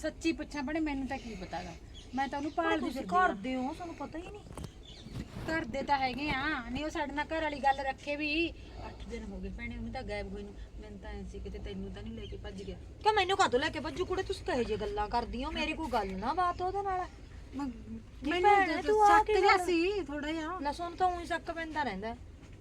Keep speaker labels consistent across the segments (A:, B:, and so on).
A: ਸੱਚੀ ਪੁੱਛਾਂ ਬਣੇ ਮੈਨੂੰ ਤਾਂ ਕੀ ਪਤਾਗਾ ਮੈਂ ਤਾਂ ਉਹਨੂੰ ਭਾਲਦੀ
B: ਤੁਸੀਂ
A: ਫਿਰਦੀ
B: ਘਰ ਦੇ ਹੋ ਤੁਹਾਨੂੰ ਪਤਾ ਹੀ ਨਹੀਂ
A: ਘਰ ਦੇ ਤਾਂ ਹੈਗੇ ਆ ਨਹੀਂ ਉਹ ਸਾਡੇ ਨਾਲ ਘਰ ਵਾਲੀ ਗੱਲ ਰੱਖੇ ਵੀ 8 ਦਿਨ ਹੋ ਗਏ ਭੈਣੇ ਉਹਨੂੰ ਤਾਂ ਗਾਇਬ ਹੋਈ ਨੂੰ ਮੈਨੂੰ ਤਾਂ ਐਂ ਸੀ ਕਿਤੇ ਤੈਨੂੰ ਤਾਂ ਨਹੀਂ ਲੈ ਕੇ ਭੱਜ ਗਿਆ
B: ਕਿ ਮੈਨੂੰ ਕਾਹਤੋਂ ਲੈ ਕੇ ਭੱਜੂ ਕੁੜੇ ਤੁਸੀਂ ਕਹੇ ਜੇ ਗੱਲਾਂ ਕਰਦੀ ਹੋ ਮੇਰੀ ਕੋਈ ਗੱਲ ਨਾ ਬਾਤ ਉਹਦੇ ਨਾਲ
A: ਮੈਨੂੰ
B: ਤੂੰ ਆ
A: ਸ਼ੱਕ
B: ਕੇ
A: ਜਿਹਾ ਸੀ ਥੋੜਾ ਜਿਹਾ
B: ਲਸਣ ਤਾਂ ਉਹੀ ਸ਼ੱਕ ਪੈਂਦਾ ਰਹਿੰਦਾ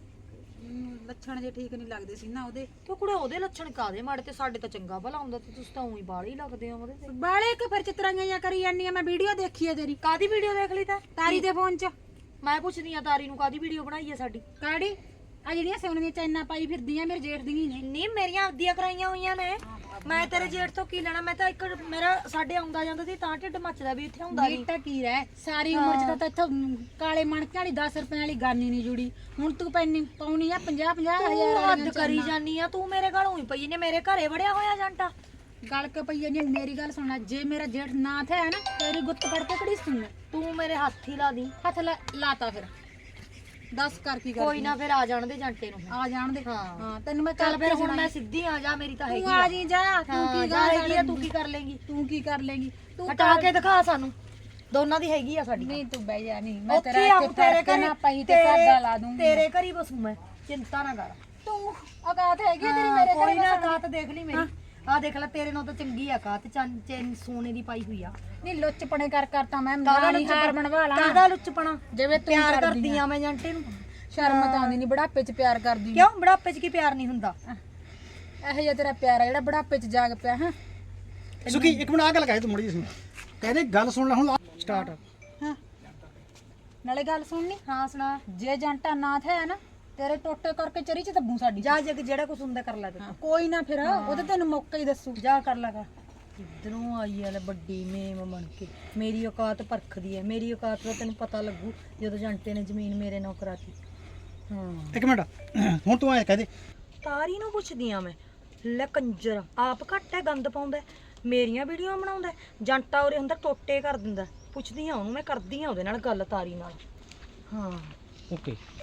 A: ਲੱਛਣ ਜੇ ਠੀਕ ਨਹੀਂ ਲੱਗਦੇ ਸੀ ਨਾ ਉਹਦੇ
B: ਕਿ ਕੁੜੇ ਉਹਦੇ ਲੱਛਣ ਕਾਦੇ ਮਾੜੇ ਤੇ ਸਾਡੇ ਤਾਂ ਚੰਗਾ ਭਲਾ ਹੁੰਦਾ ਤੇ ਤੁਸੀਂ ਤਾਂ ਉਹੀ ਬਾਹਲੀ ਲੱਗਦੇ ਹੋ ਉਹਦੇ ਤੇ
A: ਬਾਲੇ ਕਿ ਫਿਰ ਚਿਤਰਾਈਆਂ ਜਾਂ ਕਰੀ ਜਾਂਦੀ ਆ ਮੈਂ ਵੀਡੀਓ ਦੇਖੀ ਆ ਤੇਰੀ
B: ਕਾਦੀ ਵੀਡੀਓ ਦੇਖ ਲਈ ਤਾਂ
A: ਤਾਰੀ ਦੇ ਫੋਨ 'ਚ
B: ਮੈਂ ਪੁੱਛਦੀ ਆ ਤਾਰੀ ਨੂੰ ਕਾਦੀ ਵੀਡੀਓ ਬਣਾਈ ਆ ਸਾਡੀ
A: ਕਾੜੀ ਆ ਜਿਹੜੀਆਂ ਸੋਨੇ ਦੀਆਂ ਚੈਨਾਂ ਪਾਈ ਫਿਰਦੀਆਂ ਮੇਰੇ ਜੇਠ ਦੀਆਂ ਨੇ
B: ਨਹੀਂ ਮੇਰੀਆਂ ਆਪਦੀਆਂ ਕਰਾਈਆਂ ਹੋਈਆਂ ਨੇ ਮੈਂ ਤੇਰੇ ਜੇਠ ਤੋਂ ਕੀ ਲੈਣਾ ਮੈਂ ਤਾਂ ਇੱਕ ਮੇਰਾ ਸਾਡੇ ਆਉਂਦਾ ਜਾਂਦਾ ਸੀ ਤਾਂ ਢਿੱਡ ਮੱਚਦਾ ਵੀ ਇੱਥੇ ਹੁੰਦਾ ਨਹੀਂ
A: ਨੀਟਾ ਕੀ ਰਹਿ ਸਾਰੀ ਉਮਰ 'ਚ ਤਾਂ ਇੱਥੋਂ ਕਾਲੇ ਮਣਕੇ ਵਾਲੀ 10 ਰੁਪਏ ਵਾਲੀ ਗਾਨੀ ਨਹੀਂ ਜੁੜੀ ਹੁਣ ਤੂੰ ਪੈਣੀ ਪਾਉਣੀ ਆ 50 ਹਜ਼ਾਰ
B: ਹੱਦ ਕਰੀ ਜਾਨੀ ਆ ਤੂੰ ਮੇਰੇ ਘਰ ਹੋਈ ਪਈ ਨੇ ਮੇਰੇ ਘਰੇ ਵੜਿਆ ਹੋਇਆ ਜੰਟਾ
A: ਗਲ ਕੇ ਪਈ ਜਾਂਦੀ ਮੇਰੀ ਗੱਲ ਸੁਣਨਾ ਜੇ ਮੇਰਾ ਜੇਠ ਨਾ ਥਿਆ ਨਾ ਤੇਰੀ ਗੁੱਤ ਫੜ ਕੇ ਕੜੀ ਸੁਣ
B: ਤੂੰ ਮੇਰੇ ਹੱਥ ਹੀ ਲਾ ਦੀ
A: ਹੱਥ ਲਾਤਾ ਫਿਰ ਦੱਸ ਕਰ ਕੀ ਕਰ
B: ਕੋਈ ਨਾ ਫਿਰ ਆ ਜਾਣ ਦੇ ਜੰਟੇ ਨੂੰ
A: ਆ ਜਾਣ ਦੇ
B: ਹਾਂ।
A: ਹਾਂ ਤੈਨੂੰ ਮੈਂ
B: ਚੱਲ
A: ਕੱਲ
B: ਫਿਰ ਹੁਣ ਮੈਂ ਸਿੱਧੀ ਆ ਜਾ ਮੇਰੀ ਤਾਂ ਹੈਗੀ
A: ਤੂੰ ਆ ਜੀ ਜਾ ਤੂੰ ਕੀ
B: ਹੈਗੀ ਆ ਤੂੰ ਕੀ ਕਰ ਲੇਂਗੀ
A: ਤੂੰ ਕੀ ਕਰ ਲੇਗੀ ਤੂੰ
B: ਹਟਾ ਕੇ ਦਿਖਾ ਸਾਨੂੰ ਦੋਨਾਂ ਦੀ ਹੈਗੀ ਆ ਸਾਡੀ
A: ਨਹੀਂ ਤੂੰ ਬਹਿ ਜਾ ਨਹੀਂ ਮੈਂ
B: ਉੱਥੇ
A: ਤੇਰਾ
B: ਆਊਂ
A: ਇੱਥੇ ਤੇਰੇ ਨਾ ਪਈ ਤੇ ਸਾਡਾ ਲਾ ਦੂੰਗੀ
B: ਤੇਰੇ ਘਰ ਹੀ ਬਸੂ ਮੈਂ ਚਿੰਤਾ ਨਾ ਕਰ
A: ਤੂੰ ਔਕਾਤ ਹੈਗੀ ਆ ਤੇਰੀ ਮੇਰੇ
B: ਕੋਈ ਨਾ ਕਾਤ ਦੇਖ ਲਈ ਮੇਰੀ ਆ ਦੇਖ ਲੈ ਤੇਰੇ ਨਾਲ ਤਾਂ ਚੰਗੀ ਆ ਕਾਤ ਚੈਨ ਸੋਨੇ ਦੀ ਪਾਈ ਹੋਈ ਆ
A: ਨਹੀਂ ਲੁੱਚਪਣੇ ਕਰ ਤਾਂ ਮੈਂ ਮਾਣੀ ਹਾਰ ਬਣਵਾ ਲਾਂ
B: ਕਾਹਦਾ ਲੁੱਚਪਣਾ
A: ਜਿਵੇਂ ਤੂੰ
B: ਪਿਆਰ ਕਰਦੀ ਆ ਮੈਂ ਜੰਟੇ ਨੂੰ
A: ਸ਼ਰਮ ਤਾਂ ਆਉਂਦੀ ਨਹੀਂ ਬੁਢਾਪੇ 'ਚ ਪਿਆਰ ਕਰਦੀ
B: ਕਿਉਂ ਬੁਢਾਪੇ 'ਚ ਕੀ ਪਿਆਰ ਨਹੀਂ ਹੁੰਦਾ
A: ਇਹੋ ਜਿਹਾ ਤੇਰਾ ਪਿਆਰ ਆ ਜਿਹੜਾ ਬੁਢਾਪੇ 'ਚ ਜਾਗ ਪਿਆ ਹਾਂ
C: ਸੁਖੀ ਇੱਕ ਮਿੰਟ ਆ ਗੱਲ ਕਹੇ ਤੂੰ ਮੁੜੀ ਸੁਣ ਕਹਿੰਦੇ ਗੱਲ ਸੁਣ ਲੈ ਹੁਣ ਸਟਾਰਟ
A: ਹਾਂ ਨਾਲੇ ਗੱਲ ਸੁਣਨੀ
B: ਹਾਂ ਸੁਣਾ
A: ਜੇ ਜੰਟਾ ਨਾ ਥਿਆ ਨਾ ਤੇਰੇ ਟੋਟੇ ਕਰਕੇ ਚਰੀ 'ਚ ਦੱਬੂ ਸਾਡੀ
B: ਜਾ ਜਗ ਜਿਹੜਾ ਕੁਛ ਹੁੰਦਾ ਕਰ ਲੈ ਤੂੰ
A: ਕੋਈ ਨਾ ਫਿਰ ਉਹਦੇ ਤੈਨੂੰ ਮੌਕਾ ਹੀ ਦੱਸੂ
B: ਜਾ ਕਰ ਲਗਾ ਇਧਰੋਂ ਆਈ ਆ ਲੈ ਵੱਡੀ ਮੇਮ ਬਣ ਕੇ ਮੇਰੀ ਔਕਾਤ ਪਰਖਦੀ ਹੈ ਮੇਰੀ ਔਕਾਤ ਦਾ ਤੈਨੂੰ ਪਤਾ ਲੱਗੂ ਜਦੋਂ ਜੰਟੇ ਨੇ ਜ਼ਮੀਨ ਮੇਰੇ ਨਾਲ ਕਰਾਤੀ ਹਾਂ
C: ਇੱਕ ਮਿੰਟ ਹੁਣ ਤੂੰ ਐ ਕਹਦੇ
B: ਤਾਰੀ ਨੂੰ ਪੁੱਛਦੀ ਆ ਮੈਂ ਲੈ ਕੰਜਰ ਆਪ ਘੱਟ ਹੈ ਗੰਦ ਪਾਉਂਦਾ ਮੇਰੀਆਂ ਵੀਡੀਓ ਬਣਾਉਂਦਾ ਜੰਟਾ ਉਰੇ ਹੁੰਦਾ ਟੋਟੇ ਕਰ ਦਿੰਦਾ ਪੁੱਛਦੀ ਆ ਉਹਨੂੰ ਮੈਂ ਕਰਦੀ ਆ ਉਹਦੇ ਨਾਲ ਗੱਲ ਤਾਰੀ ਨਾਲ ਹਾਂ
C: ਓਕੇ